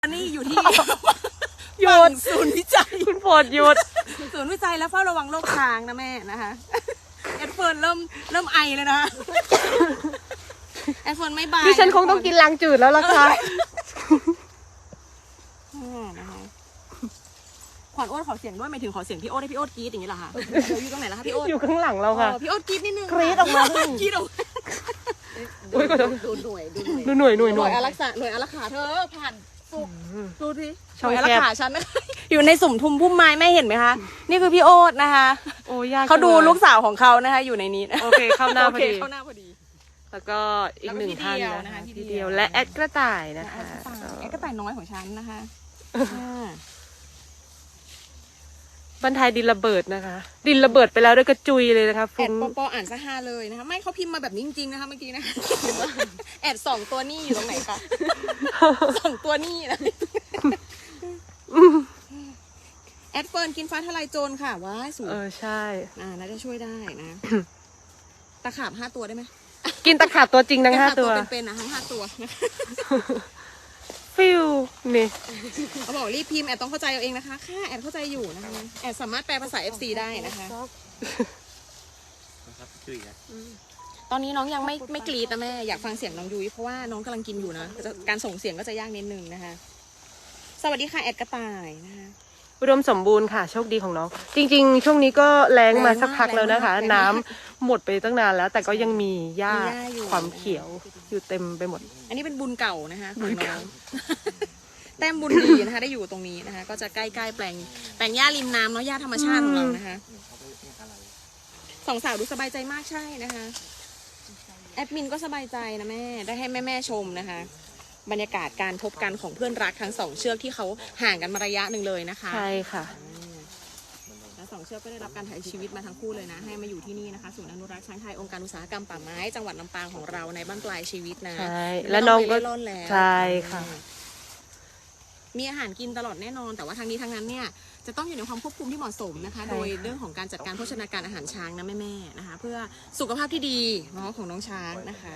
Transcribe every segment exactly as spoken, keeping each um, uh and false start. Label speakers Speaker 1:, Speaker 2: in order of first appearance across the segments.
Speaker 1: นี่อยู่ที่
Speaker 2: หยุด
Speaker 1: ศูนย์วิจัย
Speaker 2: คุณโปรดหยุด
Speaker 1: ศูนย์วิจัยและเฝ้าระวังโรคช้างนะแม่นะคะแอดเฟิร์นเริ่มเริ่มไอเลยนะแอดเฟิร์นไม่บาย
Speaker 2: ดิฉันคงต้องกินลังจืดแล้วล่ะค่ะ
Speaker 1: ขวัญโอ๊ตขอเสียงด้วยหมายถึงขอเสียงพี่โอ๊ตให้พี่โอ๊ตกรี๊ดอย่างนี้เหรอคะเดี๋ยวอยู่ตรงไหนล่ะคะพี่โอ๊ต
Speaker 2: อยู่ข้างหลังเราค่ะ
Speaker 1: พี่โอ๊ตกรี๊ดนิดนึง
Speaker 2: กรี๊ดออกมาก
Speaker 1: รี๊ดออกมาดูหน่วย
Speaker 2: ดูหน่วยหน่วยหน่วย
Speaker 1: อารักษาหน่วยอารักขาเธอผ่านสุกดูทีห
Speaker 2: น่
Speaker 1: น่วย
Speaker 2: แคบ
Speaker 1: อารักขาฉันนะคะอยู่ในสุ่มทุมพุ่มไม้แม่เห็นไหมคะนี่คือพี่โอ๊ตนะคะ
Speaker 2: โอ้ยาก
Speaker 1: เขาดูลูกสาวของเขานะคะอยู่ในนี้
Speaker 2: โอเคเข้าหน้าพอดี
Speaker 1: เข้าหน้าพอดี
Speaker 2: แล้วก็อีกหนึ่งท่านนะคะ
Speaker 1: ที
Speaker 2: เดียวและแอดกระต่ายนะคะ
Speaker 1: แอดกระต่ายน้อยของฉันนะคะ
Speaker 2: บรรทายดินระเบิดนะคะดินระเบิดไปแล้วด้วยกระจุยเลยนะคะ
Speaker 1: แอดปอปออ่านซะฮาเลยนะคะไม่เขาพิมพ์มาแบบนี้จริงๆนะคะเมื่อกี้นะแอดสองตัวนี่อยู่ตรงไหนคะสองตัวนี่นะแอดเฟิร์นกินฟ้าทลายโจรค่ะว้ายสูง
Speaker 2: เออใช่
Speaker 1: อ่าน่าจะช่วยได้นะตะขาบห้าตัวได้ไหม
Speaker 2: กินตะขาบตัวจริงทั้งห้าตัว
Speaker 1: เป็นๆนะทั้งห้าตัว
Speaker 2: ฟิวนี่
Speaker 1: เขาบอกรีบพิมพ์แอดต้องเข้าใจเอาเองนะคะค่ะแอดเข้าใจอยู่นะคะแอดสามารถแปลภาษา เอฟ ซี ได้นะคะตอนนี้น้องยังไม่ไม่กรี๊ดนะแม่อยากฟังเสียงน้องยุ้ยเพราะว่าน้องกำลังกินอยู่นะการส่งเสียงก็จะยากนิดนึงนะคะสวัสดีค่ะแอดกระต่ายนะคะ
Speaker 2: อุดมสมบูรณ์ค่ะโชคดีของน้องจริงๆช่วงนี้ก็แรงมาสักพักแล้วนะคะน้ำหมดไปตั้งนานแล้วแต่ก็ยังมีหญ้าความเขียวอยู่เต็มไปหมด
Speaker 1: อันนี้เป็นบุญเก่านะคะของน้องแต้มบุญดีนะคะได้อยู่ตรงนี้นะคะก็จะใกล้ๆแปลงแปลงหญ้าริมน้ำเนาะหญ้าธรรมชาติของเรานะคะสองสาวดูสบายใจมากใช่นะคะแอดมินก็สบายใจนะแม่ได้ให้แม่ๆชมนะคะบรรยากาศการพบกันของเพื่อนรักทั้งสองเชือกที่เขาห่างกันมาระยะหนึ่งเลยนะคะ
Speaker 2: ใช่ค่ะ
Speaker 1: แล้วสองเชือกก็ได้รับการถ่ายชีวิตมาทั้งคู่เลยนะให้มาอยู่ที่นี่นะคะศูนย์อนุรักษ์ช้างไทยองค์การอุตสาหกรรมป่าไม้จังหวัดลำปางของเราในบ้านปลายชีวิตนะ
Speaker 2: ใช่แล้วน้องก็ใช่ค่ะ
Speaker 1: มีอาหารกินตลอดแน่นอนแต่ว่าทางนี้ทางนั้นเนี่ยจะต้องอยู่ในความควบคุมที่เหมาะสมนะคะโดยเรื่องของการจัดการโภชนาการอาหารช้างนะแม่ๆนะคะเพื่อสุขภาพที่ดีเนาะของน้องช้างนะคะ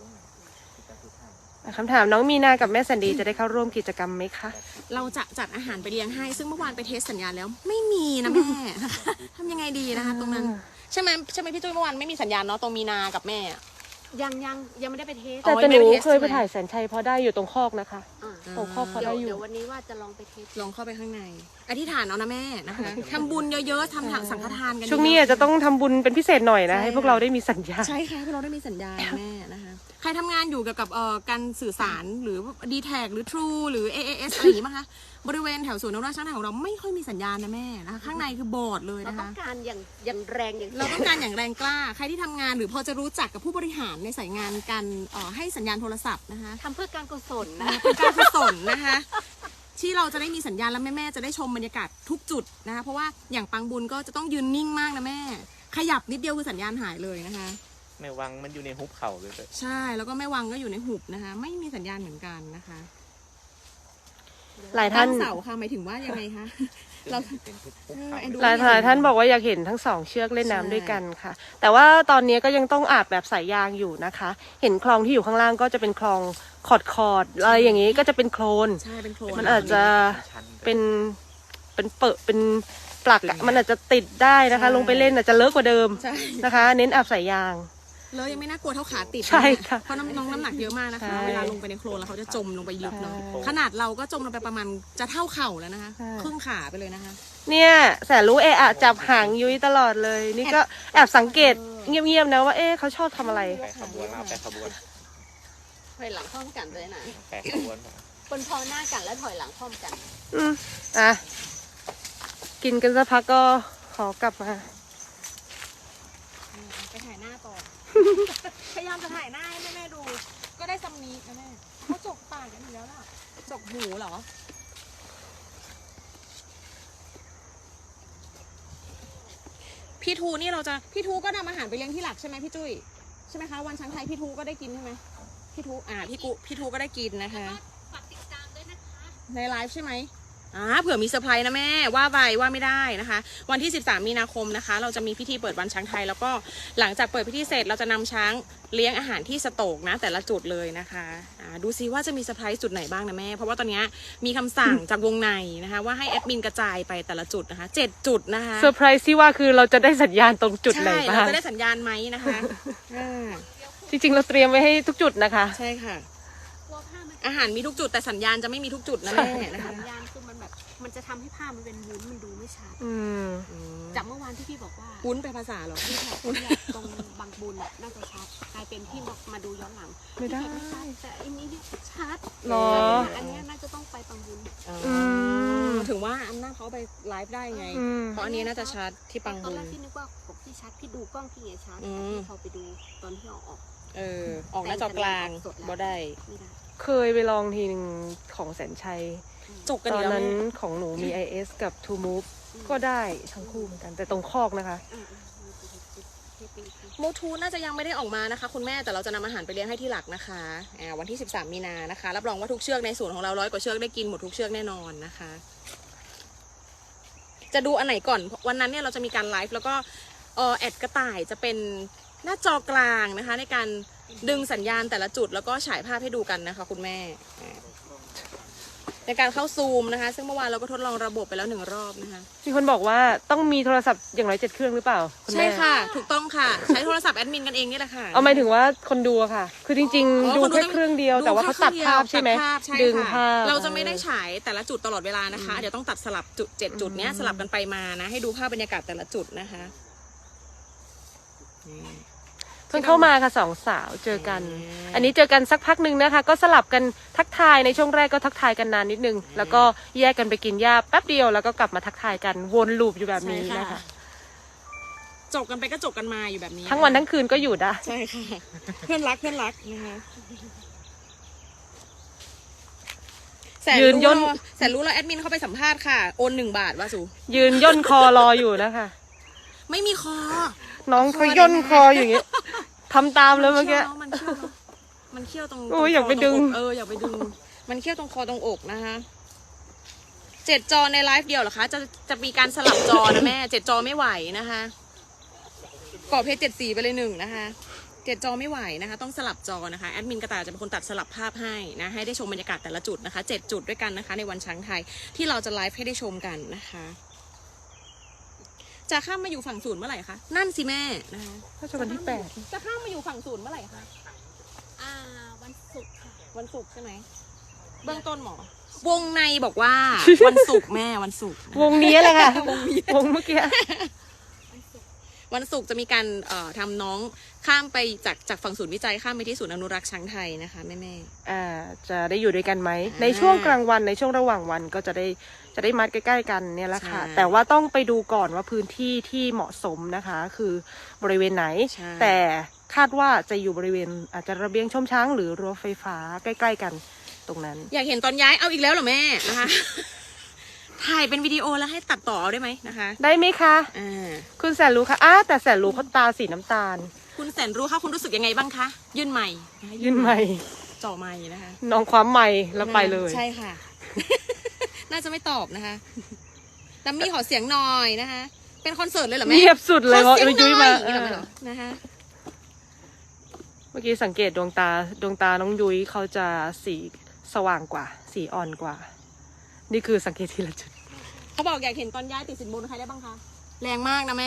Speaker 2: คำถามน้องมีนากับแม่สันดีจะได้เข้าร่วมกิจกรรมไหมคะ
Speaker 1: เราจะจัดอาหารไปเลี้ยงให้ซึ่งเมื่อวานไปเทสสัญญาณแล้วไม่มีนะแม่ทำยังไงดีนะคะตรงนั้นใช่ไหมใช่ไหมพี่ตุ้ยเมื่อวานไม่มีสัญญาณเนาะตรงมีนากับแม่
Speaker 3: ยังยังยังไม่ได้ไปเทส
Speaker 2: แต่หนูเคยไปถ่ายแสนชัยพอได้อยู่ตรงคอกนะคะตรงคอกพอได้อยู่
Speaker 3: เดี๋ยววันนี้ว่าจะลองไปเทส
Speaker 1: ลองเข้าไปข้างในอธิษฐานเอานะแม่นะคะทำบุญเยอะๆทำสังฆทานกัน
Speaker 2: ช่วงนี้จะต้องทำบุญเป็นพิเศษหน่อยนะให้พวกเราได้มีสัญญา
Speaker 1: ใช่ค่ะพวกเราได้มีสัญญาแม่นะคะใครทำงานอยู่เกี่ยวกับเอ่อการสื่อสารหรือ ดี แท็ก หรือ True หรือ เอ เอ เอส อะไรอย่างนี้มั้งคะบริเวณแถวศูนย์อนุรักษ์ช้างไทยของเราไม่ค่อยมีสัญญาณนะแม่นะคะข้างในคือบอดเลยนะคะ
Speaker 3: เราต้องการอย่างอย่างแรงอย่าง
Speaker 1: เราต้องการอย่างแรงกล้าใครที่ทำงานหรือพอจะรู้จักกับผู้บริหารในสายงานการเอ่อให้สัญญาณโทรศัพท์นะคะ
Speaker 3: ทำเพื่อการกุศลนะ
Speaker 1: เป็นการกุศลนะคะที่เราจะได้มีสัญญาณและแม่ๆจะได้ชมบรรยากาศทุกจุดนะคะเพราะว่าอย่างปังบุญก็จะต้องยืนนิ่งมากนะแม่ขยับนิดเดียวคือสัญญาณหายเลยนะคะ
Speaker 4: แม่วังมันอยู่ในหุบเขาเลย
Speaker 1: ใช่แล้วก็แม่วังก็อยู่ในหุบนะคะไม่มีสัญญาณเหมือนกันนะคะ
Speaker 2: หลายท่าน
Speaker 1: เสาค่ะหมายถึงว่ายังไงคะเรา
Speaker 2: หลายหลายท่านบอกว่าอยากเห็นทั้งสองเชือกเล่นน้ำด้วยกันค่ะแต่ว่าตอนนี้ก็ยังต้องอาบแบบสายยางอยู่นะคะเห็นคลองที่อยู่ข้างล่างก็จะเป็นคลองขอดขอดอะไรอย่างนี้ก็จะเป็นโคลน
Speaker 1: ใช่เป็นโคลน
Speaker 2: มันอาจจะเป็นเป็นเปิดเป็นปลักมันอาจจะติดได้นะคะลงไปเล่นอาจจะเลอะกว่าเดิมนะคะเน้นอาบสายยาง
Speaker 1: เลยยังไม่น่ากลัวเท่าขาติด
Speaker 2: ใช่ค่ะ
Speaker 1: เพราะน้องน้ำหนักเยอะมากนะคะเวลาลงไปในโคลนแล้วเขาจะจมลงไปลึกเนาะขนาดเราก็จมลงไปประมาณจะเท่าเข่าแล้วนะคะครึ่งขาไปเลยนะคะ
Speaker 2: เนี่ยแสนรู้เอะอะจับหางยุ้ยตลอดเลยนี่ก็แอบสังเกตเงียบๆนะว่าเอ๊ะเขาชอบทำอะไร
Speaker 4: แปะขบวนเอาแปะขบวน
Speaker 3: ถอยหลังพร้อมกันเลยนะ
Speaker 4: แปะขบวน
Speaker 3: คนพอหน้ากันแล้วถอยหลังพร้อมกัน
Speaker 2: อืมอ่ะกินกันสักพักก็ขอกลับมา
Speaker 1: ไปถ่ายหน้าก่อนพยายามจะถ่ายหน้าให้แม่ๆดูก็ได้ซัมนี้นะแม่เขาจกปากกันอยู่แล้วล่ะจกหูเหรอพี่ทูนี่เราจะพี่ทูก็นำอาหารไปเลี้ยงที่หลักใช่ไหมพี่จุ้ยใช่ไหมคะวันช้างไทยพี่ทูก็ได้กินใช่ไหมพี่ทูอ่าพี่กุพี่ทูก็ได้กินนะคะ
Speaker 3: ฝากติดตามด้วยนะคะ
Speaker 1: ในไลฟ์ใช่ไหมอ่าเผื่อมีเซอร์ไพรส์นะแม่ว่าไปว่าไม่ได้นะคะ วันที่สิบสามมีนาคมนะคะ เราจะมีพิธีเปิดวันช้างไทยแล้วก็หลังจากเปิดพิธีเสร็จเราจะนำช้างเลี้ยงอาหารที่สโตกนะแต่ละจุดเลยนะคะอ่าดูซิว่าจะมีเซอร์ไพรส์จุดไหนบ้างนะแม่เพราะว่าตอนนี้มีคำสั่งจากวงในนะคะว่าให้แอดมินกระจายไปแต่ละจุดนะคะเจ็ดจุดนะคะ
Speaker 2: เซอร์ไพรส์ที่ว่าคือเราจะได้สัญญาณตรงจุดไหน
Speaker 1: ใช่
Speaker 2: บ้า
Speaker 1: เรา
Speaker 2: ง
Speaker 1: จะได้สัญญาณไหมนะคะอ่า
Speaker 2: จริงๆ เราเตรียมไว้ให้ทุกจุดนะคะ
Speaker 1: ใช่ค่ะ
Speaker 3: กลัวผ้ามัน
Speaker 1: อาหารมีทุกจุดแต่สัญญาณจะไม่มีทุกจุดนะแม่นะคะ
Speaker 3: สัญญาณคือมันแบบมันจะทำให้ผ้ามันเป็นวุ้นมันดูไม่ชัด
Speaker 2: อืม
Speaker 3: จากเมื่อวานที่พี่บอกว่า
Speaker 1: วุ้นไปภาษาเหรอ
Speaker 3: ที่แบบตรงบางบุญน่ะน่าจะชัดกลายเป็นพี่บอกมาดูย้อนหลัง
Speaker 2: ไม่ได้
Speaker 3: พี่ชัดแต่อันนี้เนี่ยชัด
Speaker 2: หรอ
Speaker 3: อันเนี้ยน่าจะต้องไปบางบุญ
Speaker 1: อืมถึงว่าอำนาจเขาไปไลฟ์ได้ไง
Speaker 2: อืม
Speaker 1: เพราะอันนี้น่าจะชัดที่ปัง
Speaker 3: ตอน
Speaker 1: บุ
Speaker 3: แร
Speaker 1: ญ
Speaker 3: กพี่นึกว่าผมพี่ชัดพี่ดูกล้องพี่ไงชัด
Speaker 1: อืม
Speaker 3: พี่พอไปดูตอนที่เอาออก
Speaker 1: เออ ออกหน้าจอกลางบ่ได้
Speaker 3: ไม่ได้
Speaker 2: เคยไปลองทีหนึ่งของแสนชัย
Speaker 1: จกกัน
Speaker 2: ต
Speaker 1: อี
Speaker 2: อก น
Speaker 1: แล้ว
Speaker 2: นั้น
Speaker 1: แม่
Speaker 2: ของหนูมี ไอ เอส กับ ทูมูฟ ก็ได้ทั้งคู่เหมือนกัน แต่ตรงคอกนะคะ
Speaker 3: อ่าพี่เป็น
Speaker 1: โมทูน่าจะยังไม่ได้ออกมานะคะคุณแม่แต่เราจะนำอาหารไปเลี้ยงให้ที่หลักนะคะอ่าวันที่สิบสามมีนานะคะรับรองว่าทุกเชือกในสวนของเราร้อยกว่าเชือกได้กินหมดทุกเชือกแน่นอนนะคะ จะดูอันไหนก่อนวันนั้นเนี่ยเราจะมีการไลฟ์แล้วก็เออแอดกระต่ายจะเป็นหน้าจอกลางนะคะ ในการดึงสัญญาณแต่ละจุดแล้วก็ฉายภาพให้ดูกันนะคะคุณแม่อ่าในการเข้าซูมนะคะ ซึ่งเมื่อวานเราก็ทดลองระบบไปแล้วหนึ่งรอบนะคะ
Speaker 2: มีคนบอกว่าต้องมีโทรศัพท์อย่างน้อยเจ็ดเครื่องหรือเปล่าคุณ
Speaker 1: ใช่
Speaker 2: แม่
Speaker 1: ค่ะ ถูกต้องค่ะ ใช้โทรศัพท์แอดมินกันเองนี่แหละค่ะ
Speaker 2: เอาหมายถึงว่าคนดูอะค่ะ คือจริง
Speaker 1: อ๋อ
Speaker 2: ๆ ดู
Speaker 1: คนดู
Speaker 2: แค่
Speaker 1: ต้อง
Speaker 2: เครื่องเดียว แต่ว่าเขาตัดภาพใช่ไหม
Speaker 1: ตัดภาพใช่
Speaker 2: ดึง
Speaker 1: ค่ะ
Speaker 2: ภาพ
Speaker 1: เราจะไม่ได้ฉายแต่ละจุดตลอดเวลานะคะ เดี๋ยวต้องตัดสลับจุดเจ็ดจุดเนี้ยสลับกันไปมานะ ให้ดูภาพบรรยากาศแต่ละจุดนะคะนี่
Speaker 2: เพิ่งเข้ามาค่ะสองสาวเจอกัน
Speaker 1: อืม
Speaker 2: อันนี้เจอกันสักพักหนึ่งนะคะ ก็สลับกันทักทายในช่วงแรกก็ทักทายกันนานนิดนึง แล้วก็แยกกันไปกินหญ้าแป๊บเดียวแล้วก็กลับมาทักทายกันวนลูปอยู่แบบนี้นะคะ
Speaker 1: จบกันไปก็จบกันมาอยู่แบบนี้
Speaker 2: ทั้งวันทั้งคืนก็อยู่ได้
Speaker 1: ใช่ค่ะ เพื่อนรักเพื่อนรักนะคะแสน
Speaker 2: ยืน
Speaker 1: รู้
Speaker 2: ย่น
Speaker 1: แล้วแสนรู้แล้วแอดมินเข้าไปสัมภาษณ์ค่ะโอนหนึ่งบาทว่าสู
Speaker 2: ยืนย่นคอรออยู่นะคะ
Speaker 1: ไม่มีคอ
Speaker 2: น้องเขาย่นคออยู่อย่างเงี้ยทำตามเลยเมื่อกี้
Speaker 1: มันเขี้ยวเนอะมันเขี้ยวตรง
Speaker 2: โอ้ย
Speaker 1: ตรง
Speaker 2: อยากไป
Speaker 1: ค
Speaker 2: ดึง
Speaker 1: ตรอกเอออยากไปดึง มันเขี้ยวตรงคอตรงอกนะคะเจ็ดจอในไลฟ์เดียวเหรอคะ จะจะมีการสลับจอนะแม่เจ็ดจอไม่ไหวนะคะกรอบเพจเจ็ดสีไปเลยหนึ่งนะคะเจ็ดจอไม่ไหวนะคะ ต้องสลับจอนะคะแอดมินกระต่ายจะเป็นคนตัดสลับภาพให้นะให้ได้ชมบรรยากาศแต่ละจุดนะคะเจ็ดจุดด้วยกันนะคะ ในวันช้างไทยที่เราจะไลฟ์ให้ได้ชมกันนะคะจะข้ามมาอยู่ฝั่งศูนย์เมื่อไหร่คะนั่นสิแม่นะคะ
Speaker 2: ก็จะวันที่แปด
Speaker 1: จะข้ามมาอยู่ฝั่งศูนย์เมื่อไหร่คะ
Speaker 3: อ่าวันศุกร์ค่ะ
Speaker 1: วันศุกร์ใช่ไหมเบื้องต้นหมอ วงในบอกว่า วันศุกร์แม่วันศุกร์
Speaker 2: วงนี้แหละค่ะ วงเมื่อกี้
Speaker 3: วันศุกร์
Speaker 1: วันศุกร์จะมีการเอ่อทำน้องข้ามไปจากจากฝั่งศูนย์วิจัยข้ามไปที่ศูนย์อนุรักษ์ช้างไทยนะคะแม่แม่
Speaker 2: อ่า จะได้อยู่ด้วยกันไหม
Speaker 1: อ่า
Speaker 2: ในช่วงกลางวันในช่วงระหว่างวันก็จะได้จะได้มัดใกล้ๆกันเนี่ยแหละค่ะ
Speaker 1: ใช่
Speaker 2: แต่ว่าต้องไปดูก่อนว่าพื้นที่ที่เหมาะสมนะคะ คือบริเวณไหน
Speaker 1: ใช่
Speaker 2: แต่คาดว่าจะอยู่บริเวณอาจจะระเบียงชมช้างหรือรั้วไฟฟ้าใกล้ๆกันตรงนั้น
Speaker 1: อยากเห็นตอนย้ายเอาอีกแล้วเหรอแม่นะคะ ถ่ายเป็นวิดีโอแล้วให้ตัดต่อเอาได้ไหมนะคะ
Speaker 2: ได้ไหมคะ
Speaker 1: อ่า
Speaker 2: คุณแสนรู้คะอ้าแต่แสนรู้เขาตาสีน้ำตาล
Speaker 1: คุณแสนรู้ค่ะคุณรู้สึกยังไงบ้างคะยื่นใหม่ะคะ
Speaker 2: ยื่นใหม่
Speaker 1: จ่อใหม่นะคะ
Speaker 2: น้องความใหม่แล้วไปเลย
Speaker 1: ใช่ค่ะ น่าจะไม่ตอบนะคะดัมมี่ขอเสียงหน่อยนะคะ เป็นคอนเสิร์ตเลยเหรอแม่
Speaker 2: เงียบสุดเลย
Speaker 1: ข
Speaker 2: เพ
Speaker 1: อ
Speaker 2: ราะ
Speaker 1: เสียงห
Speaker 2: ยุ้ย
Speaker 1: น่
Speaker 2: มา
Speaker 1: อยอย่าง
Speaker 2: เอ
Speaker 1: นี้
Speaker 2: อ
Speaker 1: เหรอนะคะ
Speaker 2: เมื่อกี้สังเกตดวงตาดวงตาน้องยุ้ยเขาจะสีสว่างกว่า สีอ่อนกว่า นี่คือสังเกตทีละจุด
Speaker 1: เขาบอกอยากเห็นตอนย้ายติดสินบนใครได้บ้างคะ แรงมากนะแม่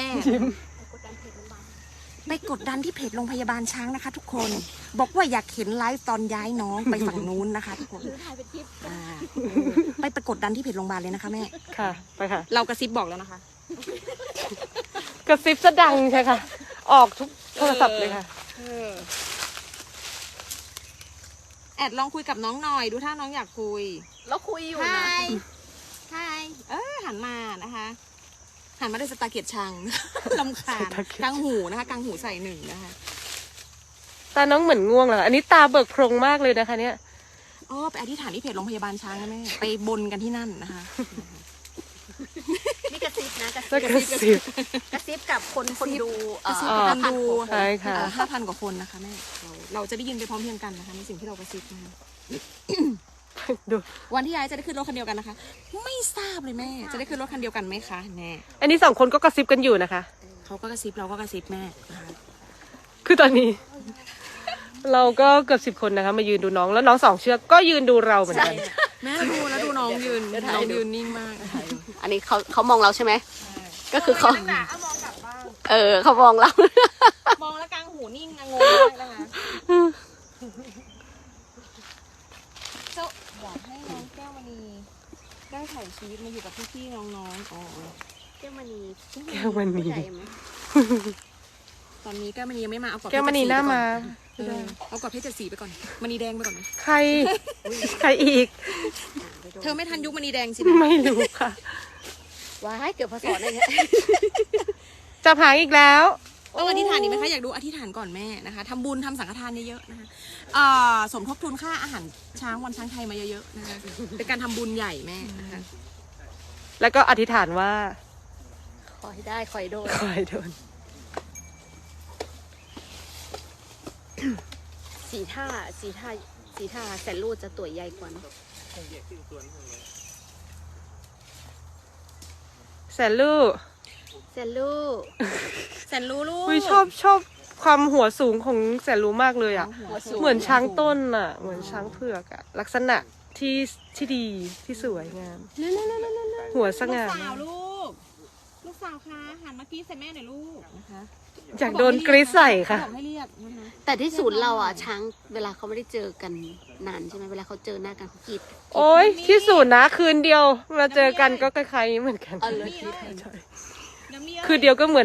Speaker 1: ไปกดดันที่เพจโรงพยาบาลช้างนะคะ ทุกคน บอกว่าอยากเห็นไลฟ์ตอนย้ายน้องไปฝั่งนู้นนะคะ ทุกคน
Speaker 3: หรือถ่ายเป็นคลิป
Speaker 1: อ่าไปไปกดดันที่เพจโรงพยาบาลเลยนะคะแม่
Speaker 2: ค่ะ ไปค่ะ
Speaker 1: เรากระซิบบอกแล้วนะคะ
Speaker 2: กระซิบซะดังใช่ค่ะ ออกทุกโทรศัพท์เลยค่ะ
Speaker 1: แอดลองคุยกับน้องหน่อย ดูถ้าน้องอยากคุย
Speaker 3: แล้วคุยอยู่
Speaker 1: ไฮ
Speaker 3: นะ
Speaker 1: ไฮเออหันมานะคะ หันมาด้วยสตาร์เกียรชัง ลำคาญ
Speaker 2: สตาร์เกียร
Speaker 1: กลางหูนะคะกลางหูใส่หนึ่งนะคะ
Speaker 2: ตาน้องเหมือนง่วงเหรออันนี้ตาเบิกโพรงมากเลยนะคะ เนี่ย
Speaker 1: อ๋อไปอธิษฐานที่เพจโรงพยาบาลช้างนะแม่ไปบนกันที่นั่นนะคะ
Speaker 3: นี่กระซิบนะกระ
Speaker 2: แล้ว
Speaker 3: ซิบ
Speaker 2: กระซิบ
Speaker 3: กระซิบกับคนคนดูเอ่อ
Speaker 1: ซิบ
Speaker 3: ห้า
Speaker 1: คน
Speaker 3: พัน
Speaker 1: ดู
Speaker 3: กว่าคน
Speaker 2: ใช่ค่ะ
Speaker 1: ห้าพันกว่าคนนะคะแม่เราเราจะได้ยินไปพร้อมเพรียงกันนะคะในสิ่งที่เรากระซิบนะคะ
Speaker 2: ดู
Speaker 1: วันที่ย้ายจะได้ขึ้นรถคันเดียวกันนะคะ ไม่ทราบเลยแม่ จะได้ขึ้นรถคันเดียวกันไหมคะแน่
Speaker 2: อันนี้สองคนก็กระซิบกันอยู่นะคะ
Speaker 1: เขาก็กระซิบเราก็กระซิบแม่นะคะ
Speaker 2: คือตอนนี้ เราก็เกือบสิบคนนะคะ มายืนดูน้องแล้วน้องสองเชือกก็ยืนดูเราเหมือนกัน
Speaker 1: แม่ดูแล้วดูน้องยืนน้องยืนนิ่งมาก
Speaker 3: อันนี้เขาเขามองเราใช่ไหมก็คือเขาเออเขามองเรา
Speaker 1: มองแล้วกลางหูนิ่งงงมากนะคะเจ้าอยากให้น้องแก้วมณีได้ถ่ายชีวิตมาอยู่กับพี่ๆน้องๆอ๋อ
Speaker 3: แก้วมณี
Speaker 2: แก้วมณี
Speaker 3: ผู้ใหญ่ไหม
Speaker 1: ตอนนี้แก้วมณียังไม่มาเอากรอบ
Speaker 2: แก้วมณีหน้ามา
Speaker 1: เออเอากรอบเพชรเจ็ดสีไปก่อนมณีแดงไปก่อนไหม
Speaker 2: ใคร ใครอีก
Speaker 1: เธอไม่ทันยุคมณีแดงสินะ
Speaker 2: ไม่รู้ค่ะ
Speaker 3: ว้ายเกือบพศอะไรเนี่ย
Speaker 2: จะผางอีกแล้ว
Speaker 1: ต้องอธิษฐานดีไหมคะอยากดูอธิษฐานก่อนแม่นะคะทำบุญทำสังฆทานเยอะๆนะคะเอ่อสมทบทุนค่าอาหารช้างวันช้างไทยมาเยอะๆนะคะเป็นการทำบุญใหญ่แม่นะคะ
Speaker 2: แล้วก็อธิษฐานว่า
Speaker 3: ขอให้ได้ขอให้โดน
Speaker 2: ขอให้โดน
Speaker 3: สีท่าสีท่าสีท่าแสนรูดจะตัวใหญ่กว่านะ
Speaker 2: แสนลูก
Speaker 3: แสนรูด
Speaker 1: แสนรู้ลูก
Speaker 2: อุ้ยชอบชอบความหัวสูงของแสนรู้มากเลยอ่ะ
Speaker 1: หัวสูง
Speaker 2: เหมือนช้างต้นอ่ะ เหมือนช้างเผือกอ่ะ ลักษณะที่ที่ดีที่สวยงาม หัวส
Speaker 1: ลูก
Speaker 2: ง่า
Speaker 1: สาวลูกลูกสาวคะหันมากรีดใส่แม่หน่อยลูกนะคะ
Speaker 2: อยากโดนกรีดใส่ค่ะ
Speaker 1: เขาบอกให้เรียกนะคะ
Speaker 3: แต่ที่ศูนย์เราอ่ะช้างเวลาเขาไม่ได้เจอกันนานใช่ไหมเวลาเขาเจอหน้ากันเขากรีด
Speaker 2: โอ้ยที่สุดนะคืนเดียวมาเจอกันก็คล้ายๆเหมือนกัน
Speaker 3: เอาเลย
Speaker 1: น้ำนี่
Speaker 2: คืนเดียวก็เหมือน